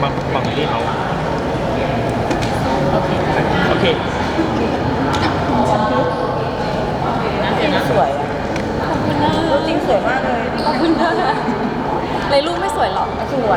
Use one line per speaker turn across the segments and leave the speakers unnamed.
บางที่เขาโอเค
สวยขอบคุณนะจริงสวยมากเลย
ขอบคุณนะในรูปไม่สวยหรอ
สวย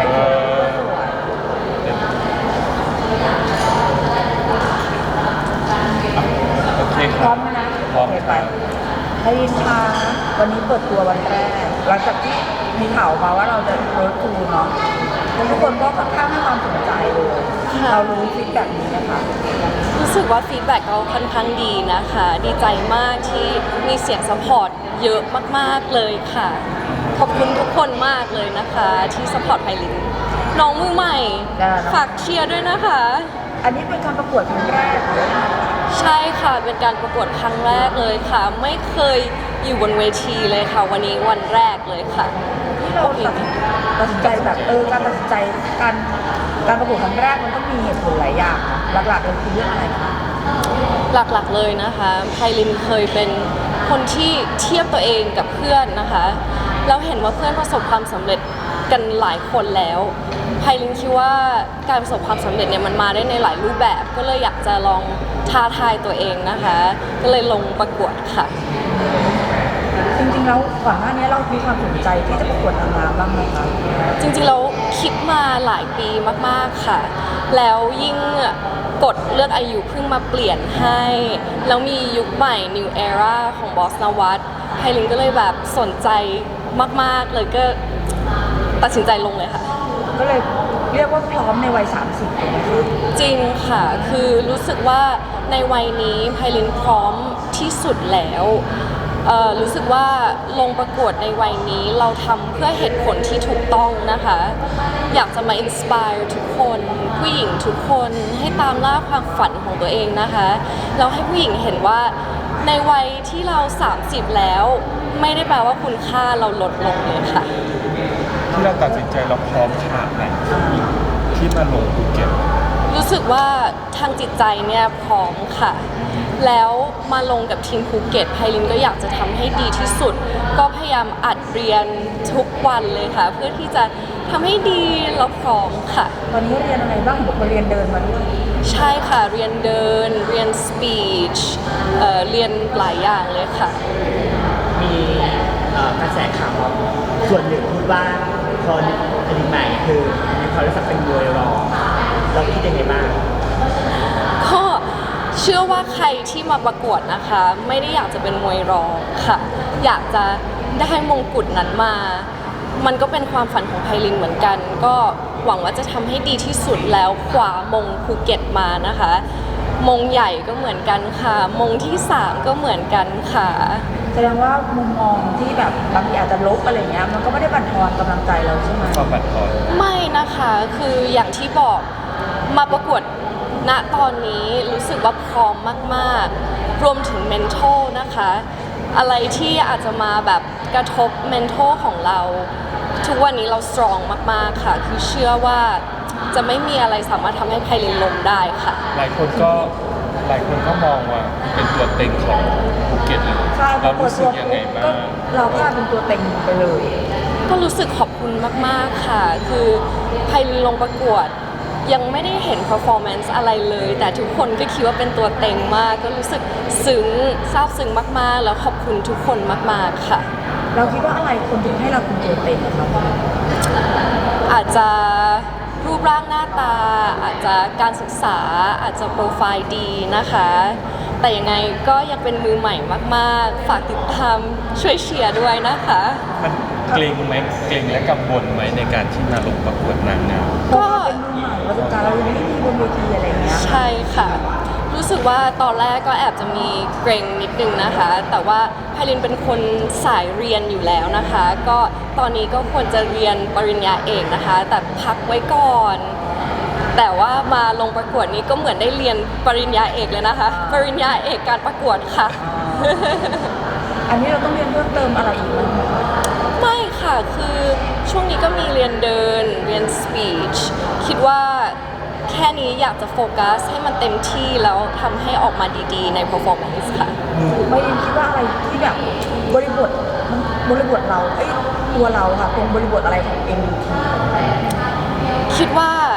โอเค
พร้อมนะ
พร้อม
ไปพยินค่ะวันนี้เปิดตัววันแรกหลังจากที่มีข่าวมาว่าเราจะเปิดทูเนาะทุกคนก็ค่อนข้างให้ความสนใจเลยเรารู้ฟีดแบบนี้นะคะ
รู้สึกว่าฟีดแบ็กเราค่อนข้างดีนะคะดีใจมากที่มีเสียงซัพพอร์ตเยอะมากๆเลยค่ะขอบคุณทุกคนมากเลยนะคะที่ซัพพอร์ตไพลินน้องมือใหม่ฝากเชียร์ด้วยนะคะ
อันนี้เป็นการประกวดครั้งแรก
ใช่ค่ะเป็นการประกวดครั้งแรกเลยค่ะไม่เคยอยู่บนเวทีเลยค่ะวันนี้วันแรกเลยค่ะ
ที่เราตัดสินใจแบบการตัดสินใจการประกวดครั้งแรกมันต้องมีเหตุผลหลายอย่างหลักๆเลยคือเรื่องอะไรคะ
หลักๆเลยนะคะไพลินเคยเป็นคนที่เทียบตัวเองกับเพื่อนนะคะแล้วเห็นว่าเพื่อนประสบความสำเร็จกันหลายคนแล้วไพลินคิดว่าการประสบความสำเร็จเนี่ยมันมาได้ในหลายรูปแบบก็เลยอยากจะลองท้าทายตัวเองนะคะก็เลยลงประกวดค่ะ
จริงๆแล้วก่อนหน้านี้เรามีความสนใจที่จะประกวดนางงามบ้างไหมคะ
จริงๆเราคิดมาหลายปีมากๆค่ะแล้วยิ่งกฎเลือกอายุเพิ่งมาเปลี่ยนให้แล้วมียุคใหม่ New Era ของบอสนวัตไพลินก็เลยแบบสนใจมากๆเลยก็ตัดสินใจลงเลยค่ะ
ก็เลยเรียกว่าพร้อมในวัย30ถูกไหมคะ
จริงค่ะคือรู้สึกว่าในวัยนี้ไพลินพร้อมที่สุดแล้วรู้สึกว่าลงประกวดในวัยนี้เราทำเพื่อเหตุผลที่ถูกต้องนะคะอยากจะมาอินสปายทุกคนผู้หญิงทุกคนให้ตามล่าความฝันของตัวเองนะคะแล้วให้ผู้หญิงเห็นว่าในวัยที่เรา30แล้วไม่ได้แปลว่าคุณค่าเราลดลงเลยค่ะ
ที่เราตัดสินใจเราพร้อมขนาดไหนที่มาลงภูเก็ต
รู้สึกว่าทางจิตใจเนี่ยพร้อมค่ะแล้วมาลงกับทีมภูเก็ตไพลินก็อยากจะทำให้ดีที่สุดก็พยายามอัดเรียนทุกวันเลยค่ะเพื่อที่จะทำให้ดีแล้วพร้อมค่ะ
ตอนนี้เรียนอะไรบ้างบอกว่าเรียนเดินมาด้วย
ใช่ค่ะเรียนเดินเรียนสปีชเรียนหลายอย่างเลยค่ะ
มีกระแสข่าวส่วนหนึ่งพูดว่าคนอดีตใหม่คือมีความรู้สึกเป็นมวยรอเราคิดยังไงบ้าง
ก็เชื่อว่าใครที่มาประกวดนะคะไม่ได้อยากจะเป็นมวยรองค่ะอยากจะได้มงกุฎนั้นมามันก็เป็นความฝันของไพลินเหมือนกันก็หวังว่าจะทำให้ดีที่สุดแล้วคว้ามงภูเก็ตมานะคะมงใหญ่ก็เหมือนกันค่ะมงที่3ก็เหมือนกันค่ะ
แสดงว่ามุมมองที่แบบบางทีอาจจะลบอะไรเงี้ยมันก็ไม่ได้บั่นทอนกำลังใจเราใช่ไหม
ความบั่นทอน
ไม่นะคะคืออย่างที่บอกมาประกวดณตอนนี้รู้สึกว่าพร้อมมากๆรวมถึง mental นะคะอะไรที่อาจจะมาแบบกระทบ mental ของเราทุกวันนี้เรา strong มากๆค่ะคือเชื่อว่าจะไม่มีอะไรสามารถทำให้ไพลินล้มได้ค่ะ
หลายคนก็มองว่าเป็นตัวเต็งของภูเก็ตเลยเรารู้สึกยังไงบ้าง
เราก็เป็นตัวเต็งไปเลย
ก็รู้สึกขอบคุณมากๆค่ะคือไพลินลงประกวดยังไม่ได้เห็น performance อะไรเลยแต่ทุกคนก็คิดว่าเป็นตัวเต็งมากก็รู้สึกซึ้งซาบซึ้งมากๆแล้วขอบคุณทุกคนมากๆค่ะ
เราคิดว่าอะไรคนถึงให้เราเป็นตัวเต็งคะ
อาจจะรูปร่างหน้าตาอาจจะการศึกษาอาจจะโปรไฟล์ดีนะคะแต่ยังไงก็ยังเป็นมือใหม่มากๆฝากติดตามช่วยเชียร์ด้วยนะคะ
มันเกรงไหมเกรงและกังวลไหมในการที่มาลงประกวดนางงาม
ก็เป็นมือใหม่ประสบการณ์เราไม่มีบนเวทีอะไรเงี้ย
ใช่ค่ะรู้สึกว่าตอนแรกก็แอบจะมีเกรงนิดนึงนะคะแต่ว่าไพลินเป็นคนสายเรียนอยู่แล้วนะคะก็ตอนนี้ก็ควรจะเรียนปริญญาเอกนะคะแต่พักไว้ก่อนแต่ว่ามาลงประกวดนี้ก็เหมือนได้เรียนปริญญาเอกเลยนะคะปริญญาเอกการประกวดค่ะ
อันนี้เราต้องเรียนเพิ่มเติมอะไรอีกไหม
ไม่ค่ะคือช่วงนี้ก็มีเรียนเดินเรียนสปีชคิดว่าแค่นี้อยากจะโฟกัสให้มันเต็มที่แล้วทำให้ออกมาดีๆใน performance ค่ะ
ไม่ได้คิดว่าอะไรที่แบบบริบทเราตัวเราค่ะตรงบริบทอะไรของ MUT
คิดว่า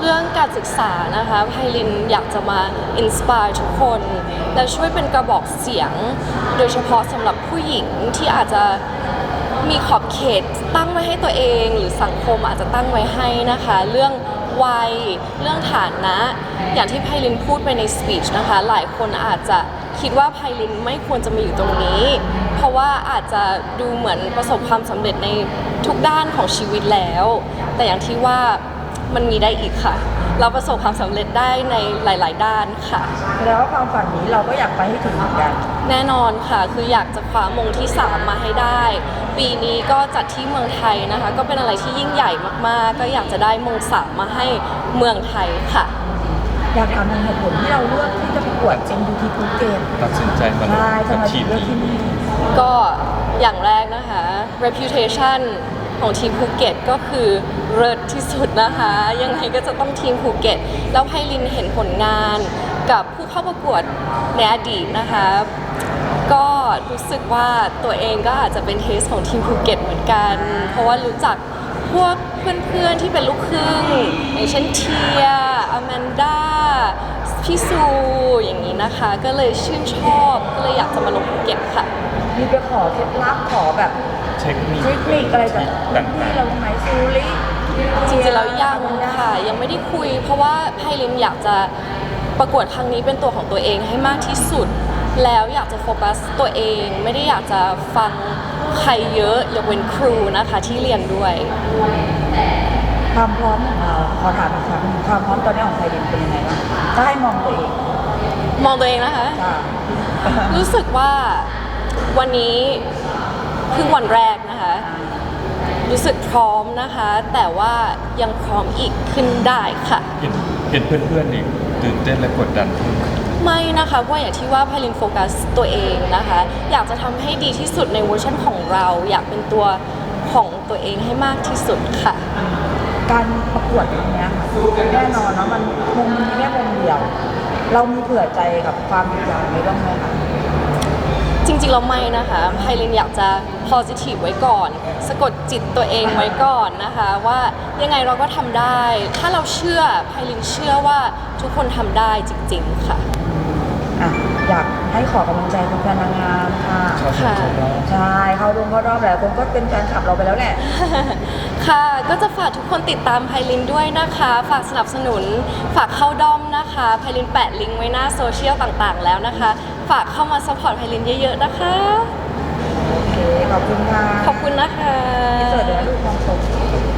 รื่องการศึกษานะคะไพลินอยากจะมาอินสปายทุกคนและช่วยเป็นกระบอกเสียง โดยเฉพาะสำหรับผู้หญิงที่อาจจะมีขอบเขตตั้งไว้ให้ตัวเอง หรือสังคมอาจจะตั้งไว้ให้นะคะ เรื่องวัยเรื่องฐานะ อย่างที่ไพลินพูดไปในสปีชนะคะ หลายคนอาจจะคิดว่าไพลินไม่ควรจะมาอยู่ตรงนี้ เพราะว่าอาจจะดูเหมือนประสบความสำเร็จในทุกด้านของชีวิตแล้ว แต่อย่างที่ว่ามันมีได้อีกค่ะ เราประสบความสำเร็จได้ในหลาย ๆ ด้านค่ะ
แล้วาความฝันนี้เราก็อยากไปให้ถึงเหมือนกัน
แน่นอนค่ะ คืออยากจะคว้ามงที่ 3 มาให้ได้ ปีนี้ก็จัดที่เมืองไทยนะคะ ก็เป็นอะไรที่ยิ่งใหญ่มาก ๆ ก็อยากจะได้มง 3 มาให้เมืองไทยค่ะ
อยากถามถึงเหตุผลที่เราเลือกที่จะประกวด MUT ภูเก็ต
ตัดสินใจมาลง
ใช่ทำ
กับ
ไม
ที
ถึง
ม
เลือก
นี้
ที่นี่
ก็อย่างแรกนะคะ reputation ของทีมภูเก็ตก็คือเลิศที่สุดนะคะ ยังไงก็จะต้องทีมภูเก็ต แล้วไพลินเห็นผลงานกับผู้เข้าประกวดในอดีตนะคะ ก็รู้สึกว่าตัวเองก็อาจจะเป็นเทสของทีมภูเก็ตเหมือนกัน เพราะว่ารู้จักพวกเพื่อนๆที่เป็นลูกครึ่งอย่างเช่นเทียอแมนด้าพี่ซูอย่างนี้นะคะ ก็เลยชื่นชอบก็เลยอยากจะมาลงภูเก็ตค่ะ
มีไปขอเคล็ดลับขอแบบ
เทคนิค
เทคนิคอะไรจาก
ต่าง
ที่เราไหมซูริ
จริงๆแล้วยังค่ะยังไม่ได้คุย เพราะว่าไพลินอยากจะประกวดครั้งนี้เป็นตัวของตัวเองให้มากที่สุด แล้วอยากจะโฟกัสตัวเอง ไม่ได้อยากจะฟังใครเยอะยกเว้นครูนะคะที่เรียนด้วย
ความพร้อมของเราขอถามอีกครั้งหนึ่งความพร้อมตอนนี้ของไทยดินเป็นยังไงบ้างถ้าให้มองตัวเอง
มองตัวเองนะคะ
จ้า
รู้สึกว่าวันนี้เพิ่งวันแรกนะคะ รู้สึกพร้อมนะคะ แต่ว่ายังพร้อมอีกขึ้นได้ค่ะ
เห็นเพื่อนๆนี่ตื่นเต้นและกดดันขึ้น
ไม่นะคะเพราะอย่างที่ว่าไพลินโฟกัสตัวเองนะคะ อยากจะทำให้ดีที่สุดในเวอร์ชันของเรา อยากเป็นตัวของตัวเองให้มากที่สุดค่ะ
การประกวดอย่างเนี้ยค่ะแน่นอนเนาะมันมุมนี้แค่มุมเดียว เรามีเผื่อใจกับความผิดหวังนี้บ้างไหมคะ
จริงๆเราไม่นะคะไพลินอยากจะ positive ไว้ก่อน สะกดจิตตัวเองไว้ก่อนนะคะ ว่ายังไงเราก็ทำได้ ถ้าเราเชื่อไพลินเชื่อว่าทุกคนทำได้จริงๆค่ะ
อ่ะอยากให้ขอกำลังใจแฟนๆนางงามค่ะ
ค่ะ
ใช่เขาลงเขารอบหลายคนก็เป็นแฟนคลับเราไปแล้วแหละ
ค่ะ ก็จะฝากทุกคนติดตามไพลินด้วยนะคะ ฝากสนับสนุน ฝากเข้าด้อมนะคะไพลินแปะลิงก์ไว้หน้าโซเชียลต่างๆแล้วนะคะ ฝากเข้ามาซัพพอร์ตไพลินเยอะๆนะคะ
โอเค ขอบคุณค่ะ
ขอบคุณนะคะ
ที่เจอเดี๋ยวลูกมองตก